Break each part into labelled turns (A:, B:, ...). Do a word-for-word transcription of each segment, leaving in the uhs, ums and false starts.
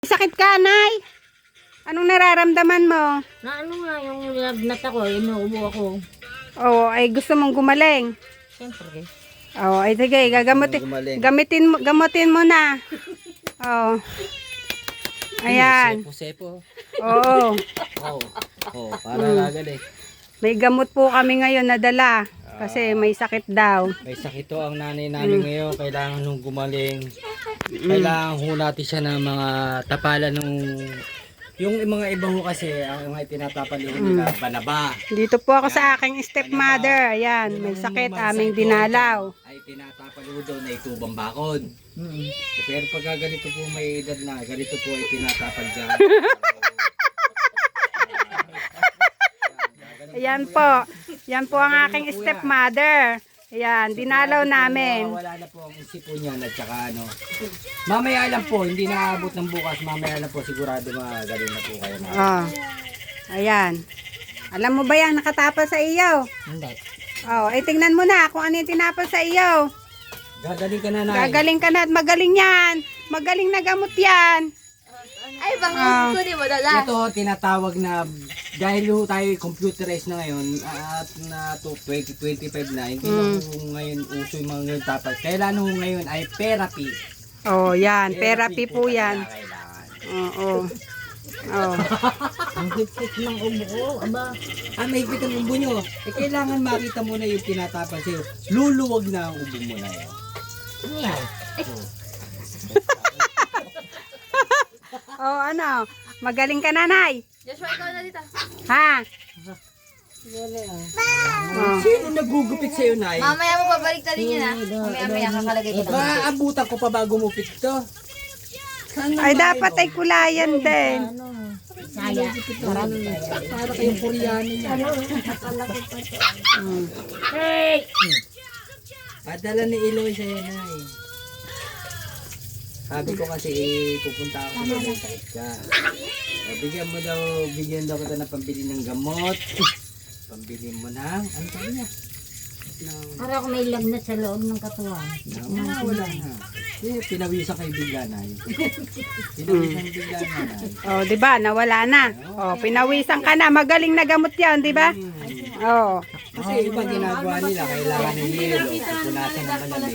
A: Sakit ka, Nay? Anong nararamdaman mo?
B: Na ano nga yung lagnat ako, inuubo ako.
A: Oo, ay gusto mong gumaling.
B: Siyempre.
A: Oo, ay sige, gagamutin, gamitin mo, gamutin mo na. Oo. Ayan.
C: Sepo-sepo.
A: Oo.
C: Oo. Oo, para gagaling.
A: May gamot po kami ngayon na dala. Kasi may sakit daw.
C: May sakit to ang nanay namin ngayon. Kailangan nung gumaling. Kailangan ho natin siya ng mga tapalan nung... Yung mga iba ho kasi, ang mga tinatapan nila, banaba.
A: Dito po ako sa aking stepmother. Ayan, may sakit, aming dinalaw.
C: Ay tinatapan ho daw na itubang bakod. Pero pagka ganito po may edad na, ganito po ay tinatapan dyan.
A: Ayan po. Yan po ang aking stepmother. Ayan, dinalaw namin.
C: Wala na po ang isipo niyan at saka ano. Mamaya lang po, hindi naabot ng bukas. Mamaya lang po sigurado magaling na po kayo.
A: Oh. Ayan. Alam mo ba yan, nakatapal sa iyo?
B: Hindi.
A: Oh, eh tingnan mo na kung ano yung tinapal sa iyo.
C: Gagaling ka na, Nay.
A: Gagaling ka na at magaling yan. Magaling na gamot yan.
D: Ay, bang
A: Ah.
D: ko di mo dala.
C: Ito tinatawag na dahil ho tayo computerized na ngayon at na to twenty twenty-five na hindi na ho ngayon uso yung mga ngayon tapos kailan ho ngayon ay therapy.
A: Oh, yan. Therapy po
C: talaga
A: yan.
C: kailangan.
A: Oo. Oh.
B: Ang hipit ng ubo ko, aba.
C: Ah, may higpit ang ubo nyo. Eh, kailangan makita mo na yung tinatapan sa'yo. Luluwag na ang ubo mo na yun.
B: Ano yan?
A: Oh, ano? Magaling ka, nanay.
D: Joshua, ikaw na dito.
A: Ha? Oh.
C: Sino nagugupit sa'yo, Nay?
D: Mamaya mo babalik na rin yun ha. Mamaya maya kakalagay ko.
C: Maaabutan ko pa bago mo fix to. Saan
A: Ay, dapat ay kulayan din.
B: Ano? Saya. Marami kaya.
C: para kayong Koreano niya.
A: Hmm.
B: Hey!
C: Padala ni Eloy sa'yo, Nay. Sabi ko kasi eh, pupunta ako sa sakit ka. Eh, bigyan mo daw, bigyan daw kita ng pambili ng gamot. Pambili mo ng, ano sabi niya? Ng,
B: Para ako may lagnat sa loob ng katawan.
C: ng, ah, wala na. Eh, pinawisan kayo bigla, Nay. Pinawisan bigla na, Nay.
A: Oh, 'di ba? Nawala na. Oh, pinawisan ka na. Magaling na gamot 'yan, 'di ba? Oh.
C: Kasi iba ginagawa nila, kailangan ng yelo, punasan ng malamig.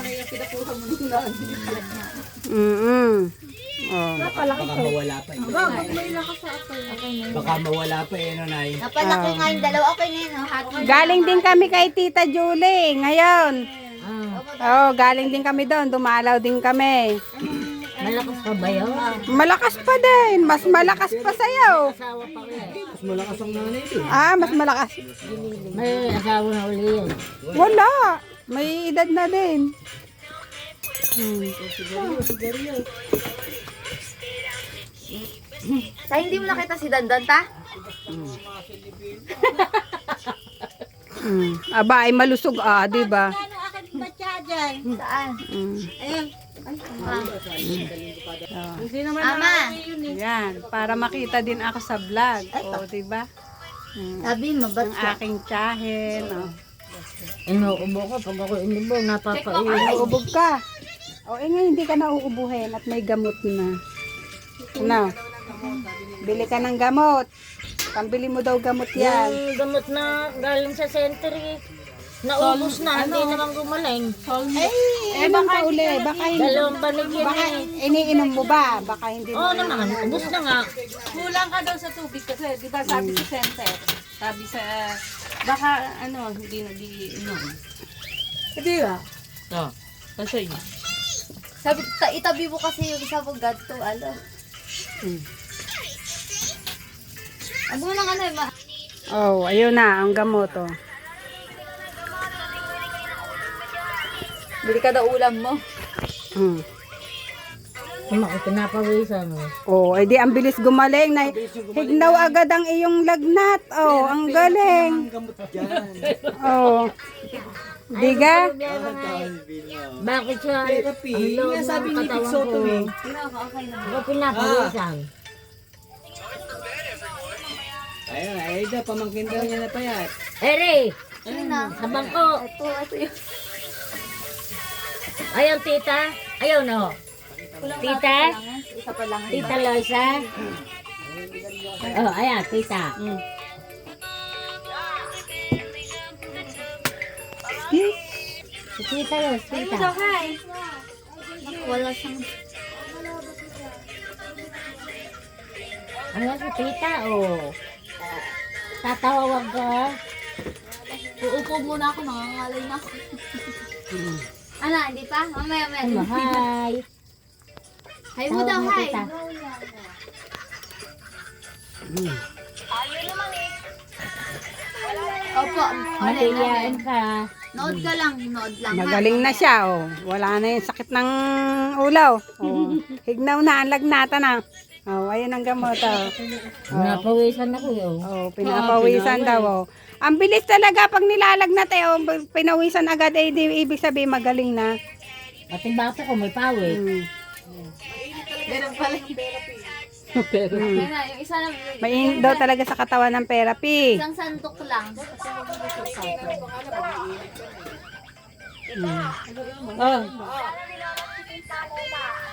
A: Mm. Oh.
C: Baka mawala pa eh. Baka mawala pa eh, no, Nay?
D: Napalaki nga yung dalawa. Okay na yun. oh. Hati.
A: Galing din kami kay Tita Julie ngayon.
B: Ah,
A: Oh, galing din kami doon. Dumalaw din kami.
B: malakas pa ba yun?
A: Malakas pa din. Mas malakas pa sa'yo.
B: Asawa pa ko eh.
C: Mas malakas ang nanay eh.
A: Ah, mas malakas.
B: May asawa na uli yun.
A: Wala. May edad na din. Hmm.
D: Sa hindi mo nakita si Dandan ta?
A: Hmm. Aba, ay malusog ah, di ba?
D: Saan?
A: Hmm.
D: Ama,
A: Yan, para makita din ako sa vlog. O, di ba? Hmm.
D: sabi mo, ba't
A: Ang
D: siya?
A: aking tsahin. Oh.
B: Inuubo ko pag ako inubo, napapaiwan.
A: Uubog ka. O, eh ngayon hindi ka na uubuhin at may gamot na. Ano? Bili ka ng gamot. Pambili mo daw gamot yan.
B: Yung gamot na galing sa center eh. Naubos na, hindi naman gumaling.
A: Eh, baka uli. Baka hindi.
B: Dalawang banig yan
A: Baka
B: eh.
A: iniinom mo ba? Baka hindi mo.
B: Oo naman, ubos na nga.
E: Kulang ka daw sa tubig kasi, di ba sabi sa center, sabi sa, baka ano, hindi nag-iinom. Hindi ba? Oo. Kasi yun.
D: Sabi, ta, itabi mo kasi yung isa mo ganito, ano.
A: Hmm.
D: Ano lang ano eh, ma.
A: Oh, ayun na. Ang gamot, oh.
D: Bili ka daw ulam mo.
A: Hmm.
B: Kung ako pinapawisan mo.
A: Oh, edi ang bilis gumaling. Na, hignaw agad ang iyong lagnat. Oh, ang galing.
C: Ang gamot dyan.
A: Oh. Diga?
B: Bakit siya?
C: Therapy.
B: Ang loob
C: Nga sabi
B: ng
C: ni Vic
B: katawan
C: Soto
B: ko.
C: eh.
B: Ako pinapawisan.
C: Ayun, ay daw, pamangkin daw niya na payat.
B: Ere!
D: Ayun na.
B: Sa bangko!
D: Ito, ito yun.
B: Ayaw tita! Ayaw na ho! Tita?
D: Isa pa lang.
B: Tita Losa? Oh, ayan, tita.
A: Mm.
B: Si Tita Losa, tita.
D: Hi. Wala siyang...
B: Ano si tita, oh. Tatawag ko.
D: Uupo muna ako, nangangalay na ako. Ano, hindi pa? Mamaya, mamaya.
B: Ano, hi.
D: Hi mo daw,
B: Tawag mo,
D: hi.
B: tita.
D: Opo, alay na.
B: Matiyain ka.
D: Nood ka lang, nood lang. ha?
A: Magaling na siya, oh. Wala na yung sakit ng ulaw. Oh. Hignaw na, ang lagnata na. Oh, ayun ang gamot, oh.
B: Napawisan ako yun.
A: Oh, pinapawisan daw, oh. Ang bilis talaga pag nilalagnat, eh, oh. Pinawisan agad, eh, di, ibig sabihin magaling na.
B: Pati baso ko may pawis.
A: Mm.
D: Meron pala.
E: Pero,
A: Mm.
D: Kaya na, yung isa lang.
A: Mainit daw talaga sa katawan ng therapy.
D: Isang sandok lang.
A: Oh.